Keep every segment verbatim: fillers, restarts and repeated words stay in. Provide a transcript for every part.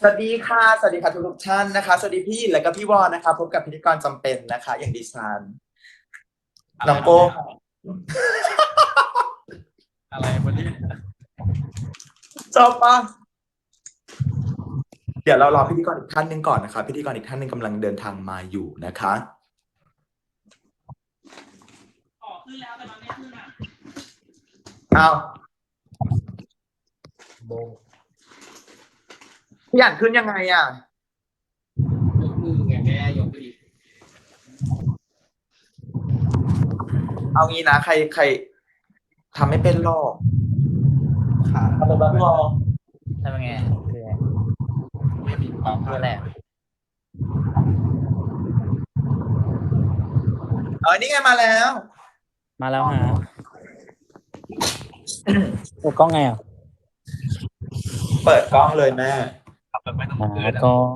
สวัสดีค่ะสวัสดีค่ะทุกทุกท่านนะคะสวัสดีพี่หญินและก็พี่วอนนะคะพบกับพิธีกรจำเป็นนะคะอย่างดิฉันอะไรน้องโก้ครับเนี่ยอะไรวันนี้จบปะเดี๋ยวเรารอพิธีกรอีกท่านหนึ่งก่อนนะคะพิธีกรอีกท่านหนึ่งกำลังเดินทางมาอยู่นะคะอ๋อขึ้นแล้วแต่มันไม่ขึ้นอ่ะเอาโบพี่อ่านขึ้นยังไงอ่ะยกมือไงแม่ยกมืออีกเอางี้นะใครใครทำไม่เป็นหรอกขาทำเป็นบ้างหรอทำยังไงคืออะไรไม่มีความคืออะไรอะเออนี่ไงมาแล้วมาแล้วฮะเปิดกล้องไงอ่ะเปิดกล้องเลยแม่ขับแบบไม่ต้องอ่าพื้นอ่ะกล้อง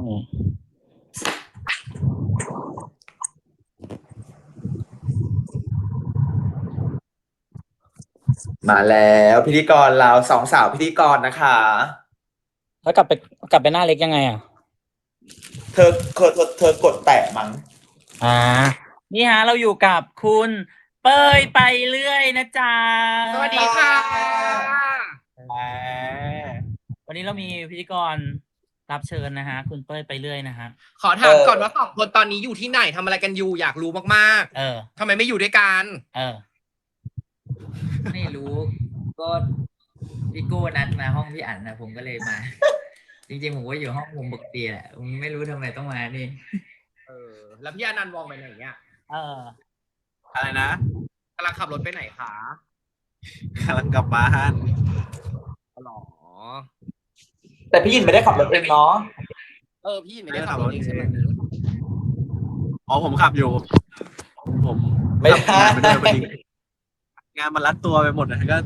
มาแล้วพิธีกรเราสองสาวพิธีกรนะคะแล้วกลับไปกลับไปหน้าเล็กยังไงอ่ะเธอเธอเธอเธอกดแตะมั้งอ่านี่ฮะเราอยู่กับคุณเป้ยไปเรื่อยนะจ๊ะสวัสดีค่ะแหมวันนี้เรามีพิธีกรรับเชิญนะฮะคุณเป้ยไปเรื่อยนะฮะขอถามก่อนว่าสองคนตอนนี้อยู่ที่ไหนทำอะไรกันอยู่อยากรู้มากเออๆทำไมไม่อยู่ด้วยกันเออไม่รู้ก็พี่โก้นัดมาห้องพี่อั๋นนะผมก็เลยมา จริงๆผมก็อยู่ห้องมุมปกติแหละผมไม่รู้ทำไมต้องมานี่เออ แล้วพี่อนันต์วองไปไหนเนี่ยเอออะไรนะกำลังขับรถไปไหนคะกำลังกลับบ้านอ๋อเหรอแต่พี่หญินไม่ได้ขับรถเองเนาะเออพี่ไม่ได้ขับรถเองใช่ไหมอ๋อผมขับอยู่ ผมไม่ขับได้งานไปด้วยพอดีงานมันรัดตัวไปหมดนะก็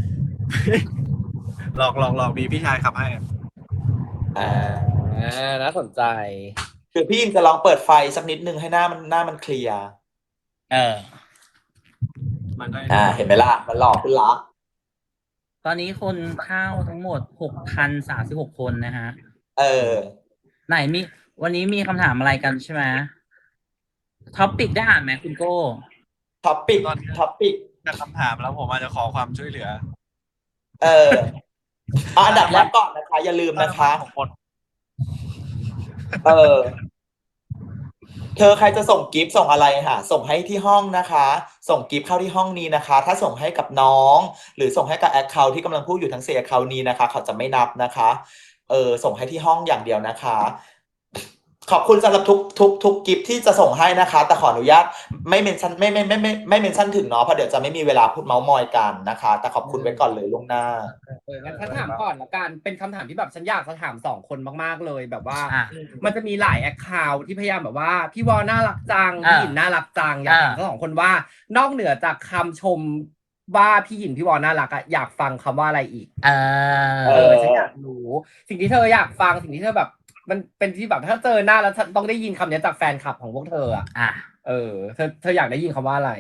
หลอกหลอกหลอกมีพี่ชายขับให้อ่าอ่าน่าสนใจคือพี่ยินจะลองเปิดไฟสักนิดนึงให้หน้ามันหน้ามันเคลียร์เออมันก็อ่า เห็นไหมล่ะ มันหลอกขึ้นละตอนนี้คนเข้าทั้งหมดหกพันสามสิบหกคนนะฮะเออไหนมีวันนี้มีคำถามอะไรกันใช่ไหมท็อปปิกได้อ่านไหมคุณโก้ท็อปปิกตอนนี้ท็อปปิกจะคำถามแล้วผมอาจจะขอความช่วยเหลือเออเอาอันดับแรกก่อนนะคะ อย่าลืมนะคะของคนเออ เธอใครจะส่งกิฟต์ส่งอะไรค่ะ ส่งให้ที่ห้องนะคะ ส่งกิฟต์เข้าที่ห้องนี้นะคะ ถ้าส่งให้กับน้อง หรือส่งให้กับแอคเคาท์ที่กำลังพูดอยู่ทั้งสี่แอคเคาท์นี้นะคะ เขาจะไม่นับนะคะ เออ ส่งให้ที่ห้องอย่างเดียวนะคะ ขอบคุณสำหรับทุกทุกทุกกิฟต์ที่จะส่งให้นะคะ แต่ขออนุญาตไม่เมนชั่นไม่ไม่ไม่ไม่ไม่เมนชั่นถึงเนาะเพราะเดี๋ยวจะไม่มีเวลาพูดเมาส์มอยกันนะคะ แต่ขอบคุณไว้ก่อนเลยล่วงหน้าเอองั้นฉันถามก่อนละกันเป็นคำถามที่แบบฉันอยากจะถามสองคนมากๆเลยแบบว่าอ่ะมันจะมีหลายแอคเคาท์ที่พยายามแบบว่าพี่วอน่ารักจังอ่าพี่หยินน่ารักจังอยากถามอ่าทั้งสองคนว่านอกเหนือจากคำชมว่าพี่หยินพี่วอน่ารักอะอยากฟังคำว่าอะไรอีกเอเอออฉันอยากรู้ สิ่งที่เธออยากฟังสิ่งที่เธอแบบ มันเป็นที่แบบถ้าเจอหน้าแล้วฉันต้องได้ยินคำนี้จากแฟนคลับของพวกเธออะอ่ะเออเธอเธออยากได้ยินคำว่าอะไร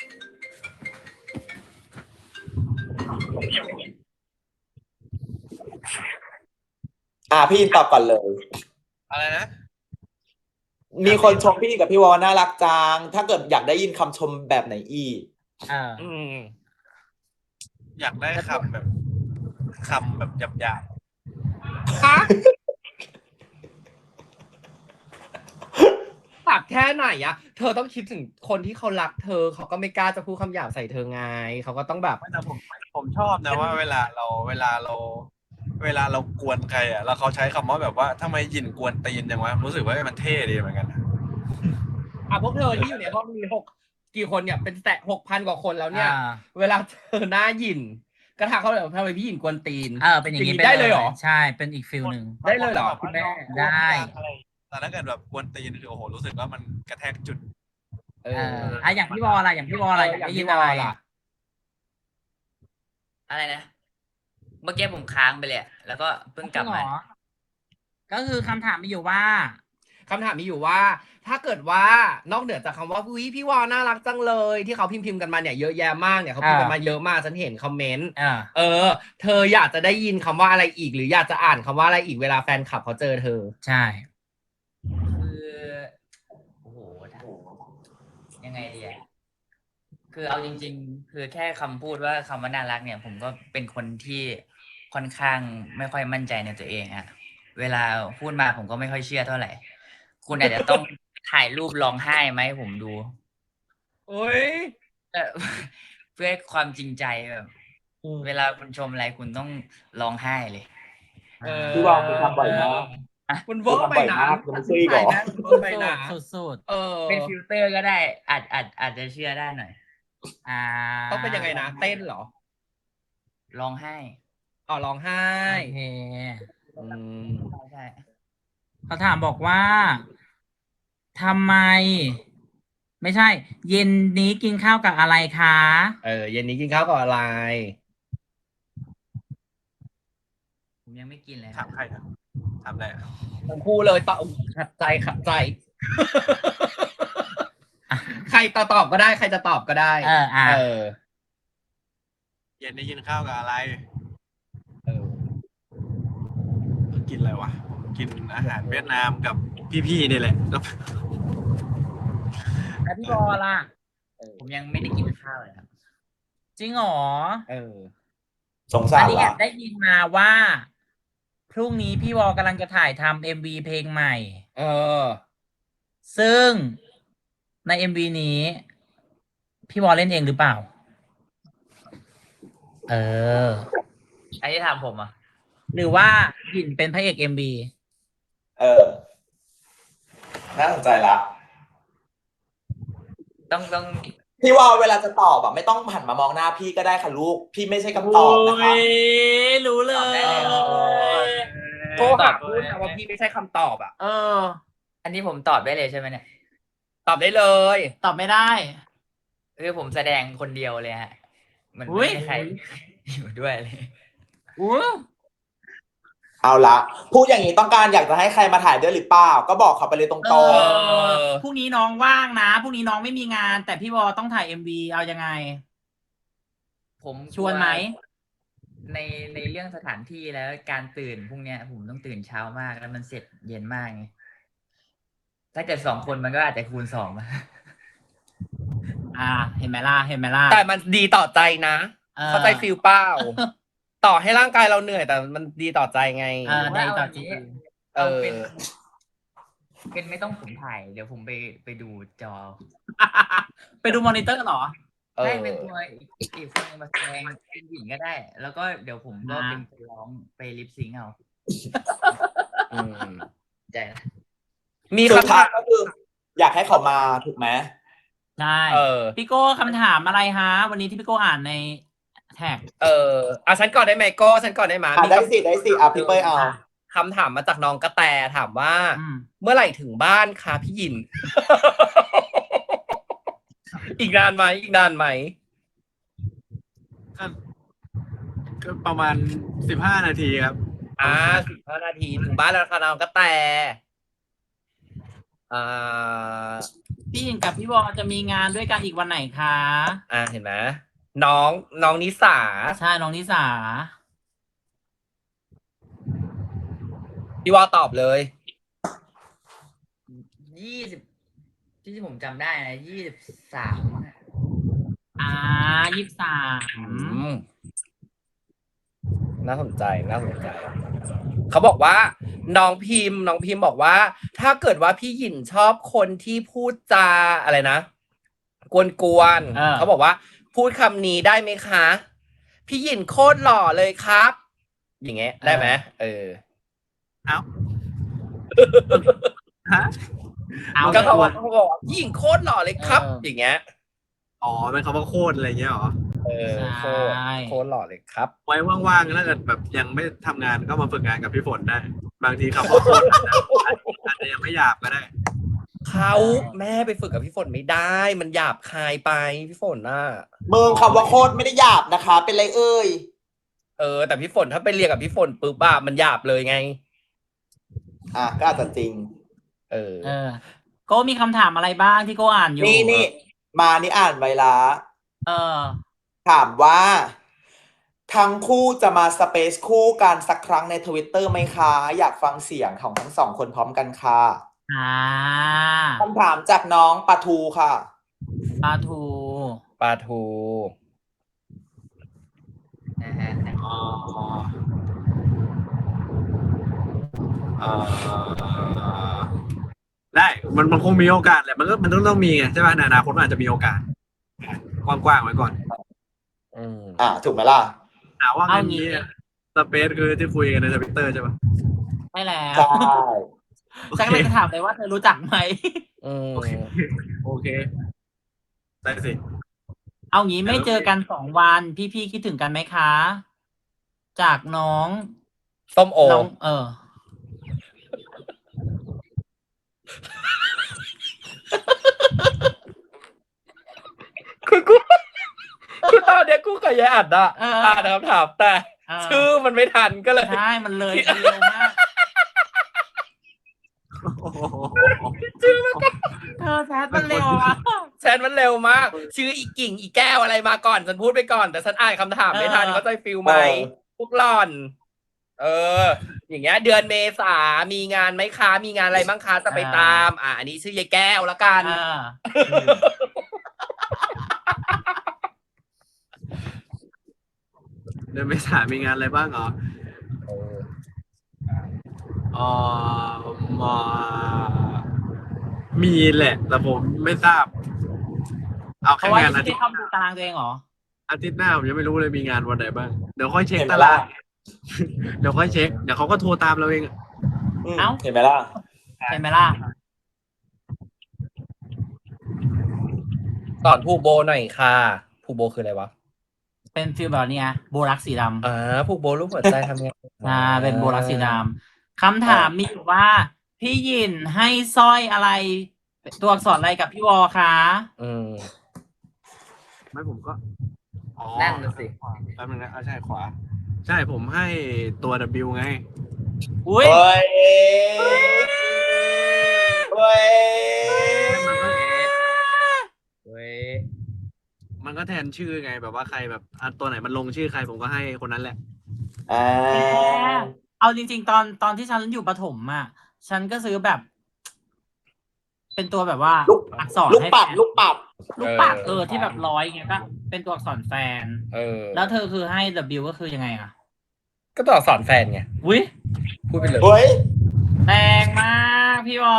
อ่าพี่ยินตอบก่อนเลยอะไรนะมีคนชมพี่กับพี่วอน่ารักจัง ถ้าเกิดอยากได้ยินคำชมแบบไหนอีกเอออืมอยากได้คำแบบคำแบบหยาบฮะปากแค่ไหนอะเธอต้องคิดถึงคนที่เขารักเธอ เขาก็ไม่กล้าจะพูดคำหยาบใส่เธอไง เขาก็ต้องแบบๆไม่แต่ผมผมชอบนะว่าเวลาเราเวลาเรา เวลาเรากวนใครอ่ะแล้วเขาใช้คำว่าแบบว่าทำไมหยินกวนตีนจังวะรู้สึกว่ามันเท่ดีเหมือนกันนะอ่ะพวกเธอที่อยู่ในห้องมีหกกี่คนเนี่ยเป็นแตะหกพันกว่าคนแล้วเนี่ยอ่าเวลาเจอหน้าหยินก็ทักเขาเลยว่าทำไมพี่หยินกวนตีนเออเป็นอย่างนี้นี้ได้เลยเหรอใช่เป็นอีกฟิลหนึ่งได้เลยเหรอคุณแม่ได้แต่ถ้าเกิดแบบกวนตีนคือโอ้โหรู้สึกว่ามันกระแทกจุดเอเออออ่ะอย่างพี่บอลอะไรอย่างพี่บอลอะไรอยากได้ยินอะไรล่ะอะไรนะเมื่อกี้ผมค้างไปเลยอะแล้วก็เพิ่งกลับจริงเหรมาอก็คือคำถามมีอยู่ว่าคำถามมีอยู่ว่า ถ้าเกิดว่านอกเหนือจากคำว่าอุ้ยพี่วอน่ารักจังเลย ที่เขาพิมพ์พิมพ์กันมาเนี่ยเยอะแยะมากเนี่ยเขาพิมพ์กันมาเยอะมากฉันเห็นคอมเมนต์อ่าเออ เธออยากจะได้ยินคำว่าอะไรอีก หรืออยากจะอ่านคำว่าอะไรอีกเวลาแฟนคลับเขาเจอเธอใช่คือโอ้โหถ้ายังไงดีอะคือเอาจริง ๆ คือแค่คำพูดว่าคำว่าน่ารักเนี่ย ผมก็เป็นคนที่ค่อนข้างไม่ค่อยมั่นใจในตัวเองอะเวลาพูดมาผมก็ไม่ค่อยเชื่อเท่าไหร่ คุณอาจจะต้องถ่ายรูปร้องไห้ไหมาให้ผมดูโอ้ยเอ่อ เพื่อความจริงใจแบบ เวลาคุณชมอะไรคุณต้องร้องไห้เลยเออพี่วาวคุณทำบ่อยมากมันเวอร์ไปนะคุณทำบ่อยมากคุณไม่เชื่ออีกเหรอมันเวอร์ไปนะสุดสุดเออเป็นฟิลเตอร์ก็ได้ อาจอาจอาจจะเชื่อได้หน่อยๆอ่าต้องเป็นยังไงนะ เต้นเหรอร้องไห้อ๋อร้องไห้โอเคอืมใช่ใช่เขาถามบอกว่าทำไม ไม่ใช่ เย็นนี้กินข้าวกับอะไรคะเออ เย็นนี้กินข้าวกับอะไรผมยังไม่กินเลยคถารับมใครอะถามอะไรอะทั้งคู่เลยตอบขัดใจขัดใจ ใครตอบตอบก็ได้ ใครจะตอบก็ได้เอออ่ะเออเย็นได้กินข้าวกับอะไรเออกินอะไรวะผมกินอาหารเวียดนามกับพี่ๆนี่แหละแล้วแล้วพี่บอลล่ะผมยังไม่ได้กินข้าวเลยครับจริงเหรอเออสงสาอันรนี้แอละบได้ยินมาว่า พรุ่งนี้พี่วอกำลังจะถ่ายทำเอ็มวีเพลงใหม่เออซึ่งในเอ็มวีนี้ พี่วอเล่นเองหรือเปล่า เอออันนี้ถามผมอ่ะหรือว่าหยินเป็นพระเอกเอ็มวีเออ น่าสนใจละต้องต้องพี่ว่าเวลาจะตอบอะไม่ต้องหันมามองหน้าพี่ก็ได้ค่ะลูก พี่ไม่ใช่คำตอบนะคะรู้เลตอบได้เลยยโทรหาพูดนะว่าพี่ไม่ใช่คำตอบอ่ะเอออันนี้ผมตอบได้เลยใช่ไหมเนี่ยตอบได้เลยตอบไม่ได้คือผมแสดงคนเดียวเลยฮะ มันอุ๊ไม่ยมีใคร อยู่ด้วยเลยอู้เอาละพูดอย่างนี้ต้องการอยากจะให้ใครมาถ่ายด้วยหรือเปล่า ก็บอกเขาไปเลยตรเองออพรุ่งนี้น้องว่างนะพรุ่งนี้น้องไม่มีงาน แต่พี่วอต้องถ่ายเอ็มวีเอายังไงผมชวนไหมในในเรื่องสถานที่แล้วการตื่นพรุ่งเนี้ย ผมต้องตื่นเช้ามากแล้วมันเสร็จเย็นมากไงถ้าเกิดสองคนมันก็อาจจะคูณสองมาอ่า เห็นไหมล่ะเห็นไหมล่ะแต่มันดีต่อใจนะเออเข้าใจฟิลเปล่า ต่อให้ร่างกายเราเหนื่อย แต่มันดีต่อใจไงเออได้ต่อจริงเอเอาอเป็น เป็นไม่ต้องผมถ่าย เดี๋ยวผมไปไปดูจอไปดูมอนิเตอร์เหรอเออให้เป็นตัวอีกอีกคนหนึ่งมาแสดงเป็นหญิงก็ได้ แล้วก็เดี๋ยวผมก็อ่าเป็นคนร้องไปลิปซิงค์เอาอืมใจนะมีสุดคำท้าถาย มก็คือ อยากให้เขามาถูกไหมใช่เออพี่โก้คำถามอะไรฮะ วันนี้ที่พี่โก้อ่านในแท็กเอออ่ะฉันก่อนได้ไหมโก้ฉันก่อนได้ไหมอ่ะมีได้คำสิได้สิอ่ะพี่เป้ยเอาคำถามมาจากน้องกระแตถามว่าอืมเมื่อไหร่ถึงบ้านคะพี่หยิน อีกนานไหมอีกนานไหมก็ก็ประมาณสิบห้านาทีครับอ่าสิบห้านาทีถึงบ้านแล้วค่ะน้องกระแตอ่าพี่หญิงกับพี่วอจะมีงานด้วยกันอีกวันไหนคะอ่าเห็นไหมน้องน้องนิสาใช่น้องนิสาพี่วอตอบเลยยี่สิบที่ผมจำได้นะยี่สิบสามอ่ายี่สิบสามอืมน่าสนใจน่าสนใจ เขาบอกว่า น้องพิมพ์ น้องพิมพ์บอกว่า ถ้าเกิดว่าพี่หยินชอบคนที่พูดจาอะไรนะกวนๆเขาบอกว่า พูดคำนี้ได้ไหมคะ พี่หยินโคตรหล่อเลยครับ อย่างเงี้ยได้ไหมเออเอ้าฮะเอาก็เขาตับวอกเขาบอกว่าพี่หยินโคตรหล่อเลยครับเออออย่างเงี้ยอ๋อเป็นคำว่าโคตรอะไรเงี้ยเหรอเออโคตรใช่โคตรหล่อเลยครับไว้ว่างๆถ้าเกิดแบบยังไม่ทำงานก็มาฝึกงานกับพี่ฝนได้ บางทีคำว่าโคตรอาจจะยังไม่หยาบก็ได้เขาแม่ไปฝึกกับพี่ฝนไม่ได้ มันหยาบคายไปพี่ฝนน่ะมึงคำว่าโคตรไม่ได้หยาบนะคะ เป็นไรเอ่ยเออแต่พี่ฝนถ้าไปเรียนกับพี่ฝนปุ๊บอะมันหยาบเลยไงอ่ะก็อาจจะจริงเอออเออ โก้มีคำถามอะไรบ้างที่โก้อ่านอยู่นี่นี่มานี่อ่านไว้ละเออถามว่า ทั้งคู่จะมาสเปซคู่กันสักครั้งในทวิตเตอร์ไหมคะ อยากฟังเสียงของทั้งสองคนพร้อมกันค่ะอ่าคำถามจากน้องปะทูค่ะปลาทูปลาทูนะฮะอ๋อเอ่อได้ มันมันคงมีโอกาสแหละ มันก็มันต้องต้องมีไงใช่ป่ะในอนาคตมันอาจจะมีโอกาส กว้างๆไว้ก่อนอืมอ่าถูกไหมล่ะถามว่าเอาอันงี้นี้สเปซคือที่คุยกันในทวิตเตอร์ใช่ป่ะไม่แล้วใช่ฉันก็เลยจะถามเลยว่าเธอรู้จักไหมอืมโอเค โอเค ได้สิเอางี้ไม่เจอกันสองวัน พี่ๆคิดถึงกันไหมคะ จากน้องส้มโอน้อง เออคือกูคือตอนเนี้ยกูกับยายอัดอะเอออ่านคำถามแต่เออชื่อมันไม่ทันก็เลยใช่ มันเลยมันเร็วมากโอ้โหเธอแชทมันเร็วอะแชทมันเร็วมาก ชื่ออีกิ่งอีแก้วอะไรมาก่อนฉันพูดไปก่อน แต่ฉันอ่านคำถามไม่ทันเออเข้าใจฟิลไหมเออพวกหล่อน เออ อย่างเงี้ย เดือนเมษามีงานไหมคะมีงานอะไรบ้างคะจะไปตาม อ่าอันนี้ชื่อยายแก้วแล้วกันอ่าเดือนเมษามีงานอะไรบ้างเหรอเออเอ่อมามีแหละ แต่ผมไม่ทราบ เอาเพแค่ราะว่างายันงอาไม่ทิได้ตย์เข้าดูตารางตัวเองเหรออาทิตย์หน้าผมยังไม่รู้เลยมีงานวันไหนบ้าง เดี๋ยวค่อยเช็คเห็นไหมตารางล่ะเดี๋ยวค่อยเช็ค เดี๋ยวเขาก็โทรตามเราเองอะอืมเอ้าเห็นไหมล่ะเห็นไหมล่ะสอนผูกโบหน่อยค่ะ ผูกโบคืออะไรวะเป็นฟีลแบบนี้ไงโบรักสีดำอ่าผูกโบรูปหัวใจทำไงอ่า เป็นโบรักสีดำคำถามมีอยู่ว่า พี่หยินให้สร้อยอะไร ตัวอักษรอะไรกับพี่วอคะอืมไม่ผมก็ อ๋อนั่นน่ะสิแป๊บนึงนะอ่ะใช่ขวา ใช่ผมให้ตัว W ไงอุ้ยเฮ้ย เฮ้ยเว้ยมันก็แทนชื่อไงแบบว่าใครแบบอ่ะตัวไหนมันลงชื่อใครผมก็ให้คนนั้นแหละอ่าเอาจริง ๆ ตอนตอนที่ฉันอยู่ประถมอ่ะ ฉันก็ซื้อแบบ เป็นตัวแบบว่าลูกอักษรลูกให้ปัดแฟนลูกปัดลูกปัดเออเออที่แบบร้อยอย่างเงี้ยก็เป็นตัวอักษรแฟนเออแล้วเธอคือให้ W ก็คือยังไงอ่ะก็ตัวอักษรแฟนไงอุ้ยพูดไปเลยเฮ้ยแรงมากพี่วอ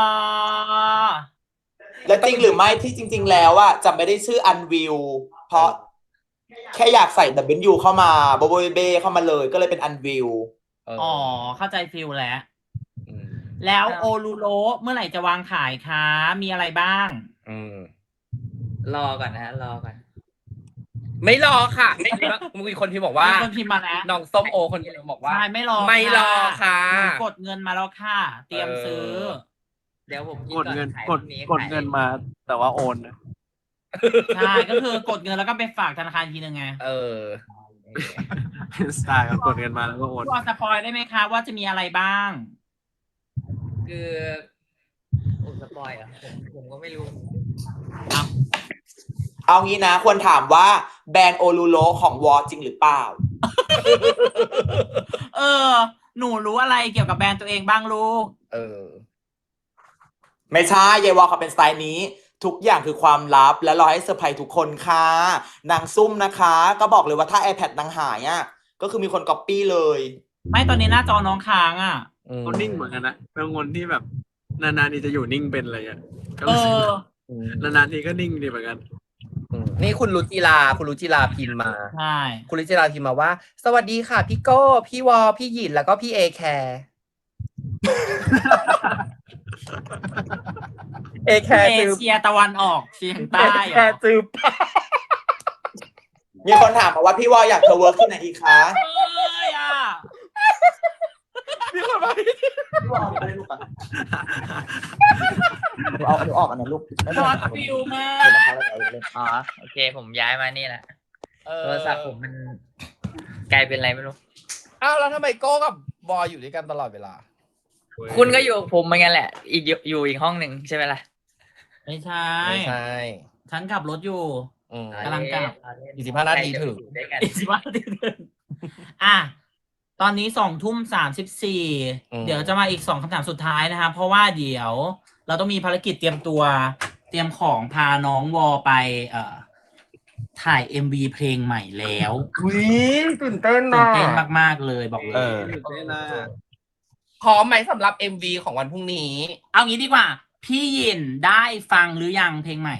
และจริงหรือไม่ที่จริง ๆ แล้วอะจะไม่ได้ชื่ออันวิว เพราะแค่อยากใส่ W เข้ามาโบโบเบเข้ามาเลยก็เลยเป็นอันวิวเอออ๋อ เข้าใจฟิลแล้วอืมแล้วโอลูโรเมื่อไหร่จะวางขายคะ มีอะไรบ้างอืมรอก่อนนะฮะ รอก่อนไม่รอค่ะไม่รอมีคนที่บอกว่ามีคนพิมพ์มาแล้วน้องส้มโอคนที่บอกว่าใช่ไม่รอไม่รอค่ะหนูกดเงินมาแล้วค่ะ เตรียมซื้อเออเดี๋ยวผมคิกดเงินขายกดพรุ่นี้กดขายเงินมา แต่ว่าโอนนะใช่ ก็คือกดเงินแล้วก็ไปฝากธนาคารอีกทีนึงไงเออเป็นสไตล์ครับกดเงินมาแล้วก็โอนพี่วอสปอยได้ไหมคะว่าจะมีอะไรบ้างคือโอ้สปอยเหรอ่ะผมผมก็ไม่รู้เอางี้นะ ควรถามว่าแบรนด์โอลูโรของวอจริงหรือเปล่าเออ หนูรู้อะไรเกี่ยวกับแบรนด์ตัวเองบ้างลูกเออไม่ใช่ยายวอเขาเป็นสไตล์นี้ ทุกอย่างคือความลับและรอให้เซอร์ไพรส์ทุกคนค่ะนางซุ่มนะคะ ก็บอกเลยว่าถ้า iPad นางหายอ่ะก็คือมีคนก๊อปปี้เลยไม่ตอนนี้หน้าจอน้องค้างอ่ะเขานิ่งเหมือนกันนะเป็นคนที่แบบนานๆทีจะอยู่นิ่งเป็นอะไรอย่างเงี้ยก็เอรู้สึกอนานๆทีก็นิ่งดีเหมือนกันอืมนี่คุณรุจิลา คุณรุจิลาพิมพ์มาใช่คุณรุจิลาพิมพ์มาว่า สวัสดีค่ะ พี่โก้ พี่วอ พี่หยิน แล้วก็พี่เอแคร์ เอแคเอร์จือเชียตะวันออกเฉียงเอใต้เหแครอร์จือมีคนถามมาว่าพี่วออยากเธอเวิร์กที่ไหนอีกคะเอ้ยอ่ะมีคนมาพี่วอเอาไปลูกอะเอาเอาออกอันนั้นลูกไม่ช็ต้อองตฟิลมากเดี๋ยวนะคะเราจะเอาเล่นอ๋อ โอเค ผมย้ายมานี่แหละเออโทรศัพท์ผมมันกลายเป็นอะไรไม่รู้อ้าวแล้วทำไมโก้กับบอยอยู่ด้วยกันตลอดเวลาคุณก็อยู่กับผมเหมือนกันแหละ อีกอยู่อยู่อีกห้องหนึ่งใช่ไหมล่ะไม่ใช่ไม่ใช่ฉันขับรถอยู่อืมกำลังกลับอีกสิบห้านาทีถึงใครจะไปอยู่ด้วยกันอีกสิบห้านาทีนึงอ่ะ ตอนนี้สองทุ่มสามสิบสี่อืมเดี๋ยวจะมาอีกสองคำถามสุดท้ายนะครับ เพราะว่าเดี๋ยวเราต้องมีภารกิจเตรียมตัว เตรียมของพาน้องวอไป เอ่อ ถ่าย เอ็ม วี เพลงใหม่แล้วอุ้ยตื่นเต้นตื่นะนเต้นมาก ๆ เลยบอกเลเอย อตื่นเต้นนะพร้อมไหมสำหรับ เอ็ม วี ของวันพรุ่งนี้เอางี้ดีกว่า พี่ยินได้ฟังหรือยังเพลงใหม่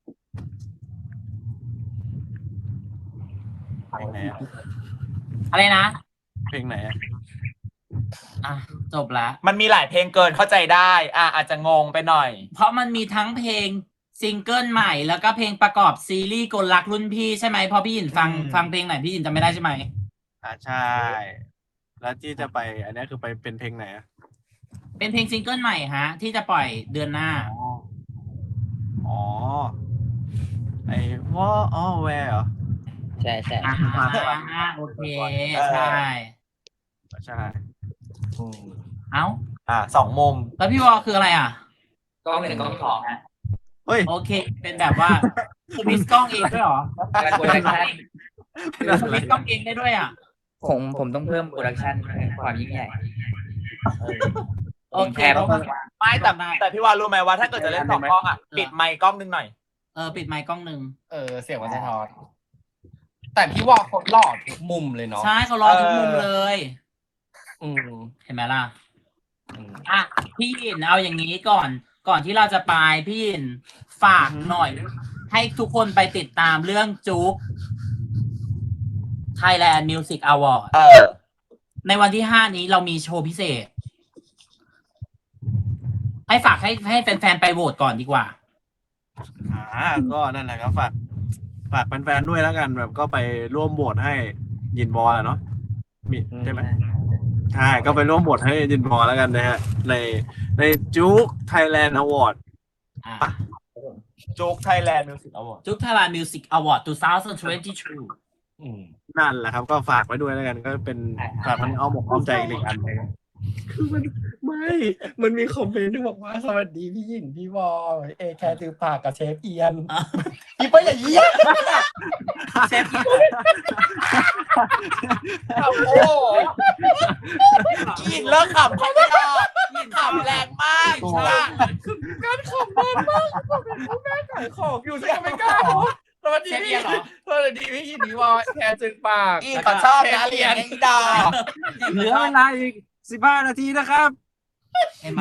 เพลงไหนอะอะไรนะเพลงไหนอะอ่ะ จบละมันมีหลายเพลงเกินเข้าใจได้ อ่ะอาจจะงงไปหน่อยเพราะมันมีทั้งเพลงซิงเกิลใหม่ แล้วก็เพลงประกอบซีรีส์กลรักรุ่นพี่ใช่ไหมเพราะพี่ยินฟังอืมฟังเพลงไหนพี่ยินจำไม่ได้ใช่ไหมอ่าใช่ แล้วที่จะไป อันนี้คือไปเป็นเพลงไหนอะเป็นเพลงซิงเกิลใหม่ฮะ ที่จะปล่อยเดือนหน้าอ๋อ อ๋อ ไอ้ว่าอ๋อแวร์เหรอใช่ใช่อ่าโอเค ใช่ใช่เอ้าอ่ะสองมุมแล้วพี่วอคืออะไรอ่ะกล้องหนึ่งกล้องสองฮะเฮ้ยโอเค เป็นแบบว่าสวิตช์กล้องเองด้วยเหรอการโปรดักชั่นสวิตช์กล้องเองได้ด้วยอ่ะผมผมต้องเพิ่มโปรดักชั่นความยิ่งใหญ่โอเคแพ้มากไม่แต่ได้แต่พี่วานรู้ไหมว่าถ้าเกิดจะเล่นสองกล้องอ่ะ ปิดไมค์กล้องนึงหน่อยเออ ปิดไมค์กล้องหนึ่งเออ เสียงมันสะท้อน แต่พี่วอเขาหล่อทุกมุมเลยเนาะใช่เขารอทุกมุมเลยอืมเห็นไหมล่ะอืมอ่ะ พี่ยินเอาอย่างนี้ก่อน ก่อนที่เราจะไปพี่ยินฝากหน่อย ให้ทุกคนไปติดตามเรื่องจุ๊ก Thailand Music Award เออในวันที่ห้านี้เรามีโชว์พิเศษ ให้ฝากให้ให้แฟนๆไปโหวตก่อนดีกว่าอ่า ก็นั่นแหละครับฝากฝากแฟนๆด้วยแล้วกัน แบบก็ไปร่วมโหวตให้ยินบอลอะเนาะมีใช่ไหมใช่ ก็ไปร่วมโหวตให้ยินบอลแล้วกันนะฮะ ในในจุ๊กไทยแลนด์อวอร์ดอ่ะโจ๊กไทยแลนด์มิวสิกอวอร์ดจุ๊ก Thailand Music Award สองพันยี่สิบสองอืมนั่นแหละครับ ก็ฝากไว้ด้วยแล้วกัน ก็เป็นฝากมันอ้อมอกอ้อมใจอีกหนึ่งอันเลยคือมันไม่มันมีคอมเมนต์ที่บอกว่าสวัสดีพี่หยินพี่วอเอแคร์ตือปากกับเชฟเอียนอ่ะพี่เป้ยอย่าเยี่ยมเชฟโอ้กินเลิกขำเขาไม่ได้ขำแรงมากค่ะการขำมันมากเป็นผู้แม่ขายของอยู่ใช่ไหมไม่กล้าเหรอสวัสดีเชฟพี่เอียนเหรอสวัสดีพี่หยินพี่วอแคร์ตือปากอีเขาชอบนะเรียนไอ้ดาเหลือเวลาอีกสิบห้านาทีนะครับเห็นไหม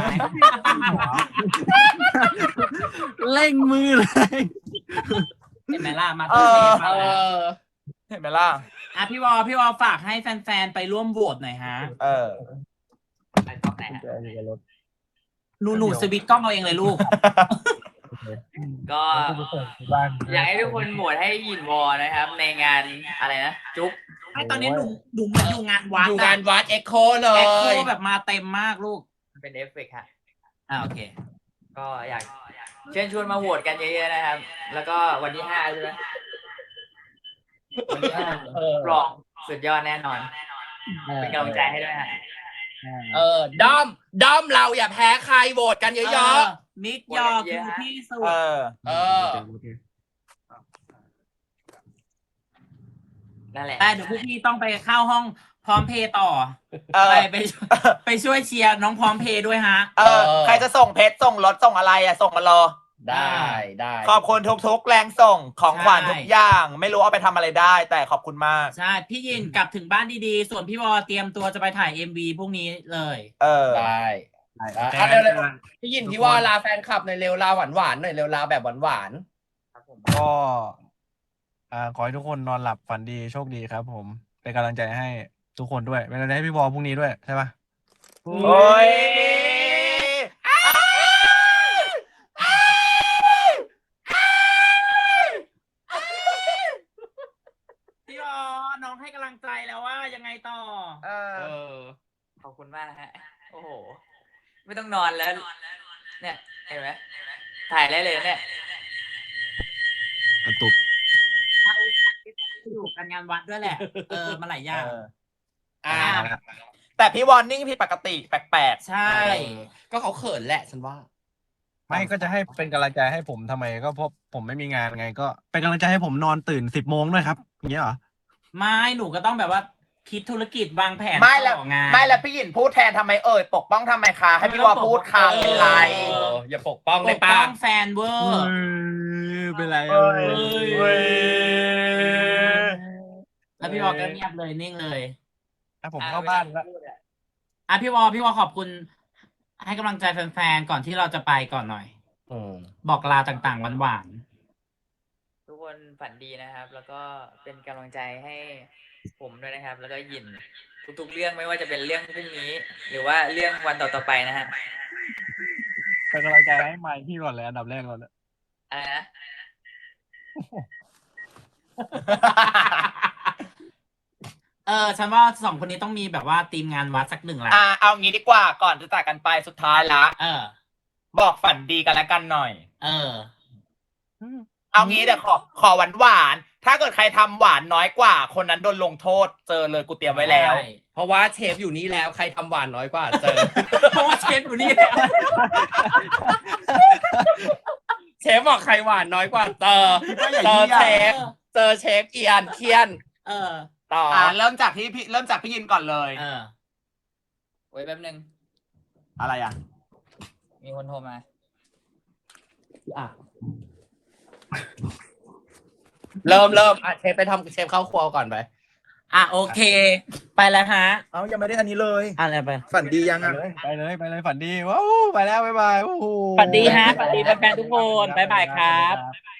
เร่งมือเลยเห็นไหมล่ะ มาเอที่อเชฟเอมาแล้วอเห็นไหมล่ะอ่ะพี่วอพี่วอฝากให้แฟนๆไปร่วมโหวตหน่อยฮะเออไปกล้องไหนฮะหนูหนูสวิตช์กล้องเอาเองเลยลูกก็อยากให้ทุกคนโหวตให้หยินวอนะครับ ในงานอะไรนะ จุ๊บไอตอนนี้หนูหนูเหมือนอยู่งานวัดอยู่งานวัดเอ็กโคเลแอคโคยแบบมาเต็มมากลูกเป็นเอฟเฟกต์ฮะอ่าโอเคก็อยากเชิญชวนมาโหวตกันเยอะๆนะครับ แล้วก็วันที่ห้าใช่ไหมวันที่ห้าเออปลอกสุดยอดแน่นอน เป็นกำลังใจให้ด้วยฮะเออด้อมด้อมเราอย่าแพ้ใครโหวตกันเยอะมิกยอคือที่สุดเออๆ เออนั่นแหละแต่เดี๋ยวพวกพี่ต้องไปเข้าห้องพร้อมเพย์ต่อเออไปไปไปช่วยเชียร์น้องพร้อมเพย์ด้วยฮะเออ ใครจะส่งเพชรส่งรถส่งอะไรอ่ะ ส่งมารอได้ได้ขอบคุณทุกๆแรงส่งของขวัญใช่ทุกอย่าง ไม่รู้เอาไปทำอะไรได้ แต่ขอบคุณมากใช่ พี่ยินกลับถึงบ้านดีๆ ส่วนพี่วอเตรียมตัวจะไปถ่าย เอ็ม วี พรุ่งนี้เลยเออได้อ่ะเร็วๆพี่ยินพี่ว่าลาแฟนคลับหน่อยเร็วลาหวานหวานๆหน่อยเร็วลาแบบหวานหวานครับผมก็อ่าขอให้ทุกคนนอนหลับฝันดีโชคดีครับผม เป็นกำลังใจให้ทุกคนด้วย เป็นกำลังใจให้พี่บอลพรุ่งนี้ด้วยใช่ปะโอ้ยพี่วอน้องให้กำลังใจแล้วว่ายังไงต่อเอๆอเออขอบคุณมากนะฮะ โอ้โห ไม่ต้องนอนแล้ว เนี่ย เห็นไหมถ่ายได้เลยเนี่ยกระตุกอยู่กันงานวัดด้วยแหละ เออมาหลายอย่างเอออ่าแต่พี่วอนนิ่งผิดปกติแปลกใช่ก็เขาเขินแหละฉันว่าไม่ก็จะให้เป็นกำลังใจให้ผมทำไมก็เพราะผมไม่มีงานไง ก็เป็นกำลังใจให้ผมนอนตื่นสิบโมงด้วยครับอย่างเงี้ยเหรอไม่หนูก็ต้องแบบว่าคิดธุรกิจวางแผนๆไม่แล้วต่องานไม่แล้วพี่หยินพูดแทนทำไมเอ่ยปกป้องทำไมคะให้พี่วอพูดค่ะเป็นไรเอออย่าปกป้องปเลยกป้าป้องแฟนเวอร์เป็นไรเอ้ยเอ้ยแล้วพี่วอก็เงียบเลยนิ่งเลยอ่ะผมเข้าบ้านแล้วอ่ะพี่วอพี่วอขอบคุณ ให้กำลังใจแฟนๆก่อนที่เราจะไปก่อนหน่อยอืมบอกลาต่างๆหวานทุกคนฝันดีนะครับ แล้วก็เป็นกำลังใจให้ผมด้วยนะครับ แล้วก็หยินทุกๆเรื่องไม่ว่าจะเป็นเรื่องพรุ่งนี้ หรือว่าเรื่องวันต่อๆไปนะฮะเป็นกำลังใจให้ไมค์พี่ก่อนเลยอันดับแรกก่อนเลยอะไรนะๆ เออ ฉันว่าสองคนนี้ต้องมีแบบว่าทีมงานวัดสักหนึ่งละอ่าเอางี้ดีกว่าก่อนจะจากกันไปสุดท้ายละเออบอกฝันดีกันแล้วกันหน่อยเออเอางี้เดี๋ยวขอขอหวานหวานๆถ้าเกิดใครทำหวานน้อยกว่า คนนั้นโดนลงโทษ เจอเลยกูเตรียมไว้แล้วใช่เพราะว่าเชฟอยู่นี่แล้วใครทำหวานน้อยกว่าเจอเพราะว่าเชฟอยู่นี่แล้วเชฟบอกใครหวานน้อยกว่าเจอก็อย่าเจอเหี้ยเชฟเจอเชฟเอียนเคียนเออต่ออ่าเริ่มจากที่พี่เริ่มจากพี่ยินก่อนเลยเออไว้แป๊บนึงอะไรอ่ะมีคนโทรมาเริ่มเริ่มอ่ะเชฟไปทำเชฟเข้าครัวก่อนไปอ่ะโอเค ไปแล้วฮะเอายังไม่ได้อันนี้เลยอะไรไปฝันดียังไปอ่ะเลยไปเลยไปเลยฝันดีว้าวไปแล้วบ๊ายบายโอ้โหฝันดีฮะฝันดีแฟนๆทุกคนบ๊ายบายครับบ๊ายบาย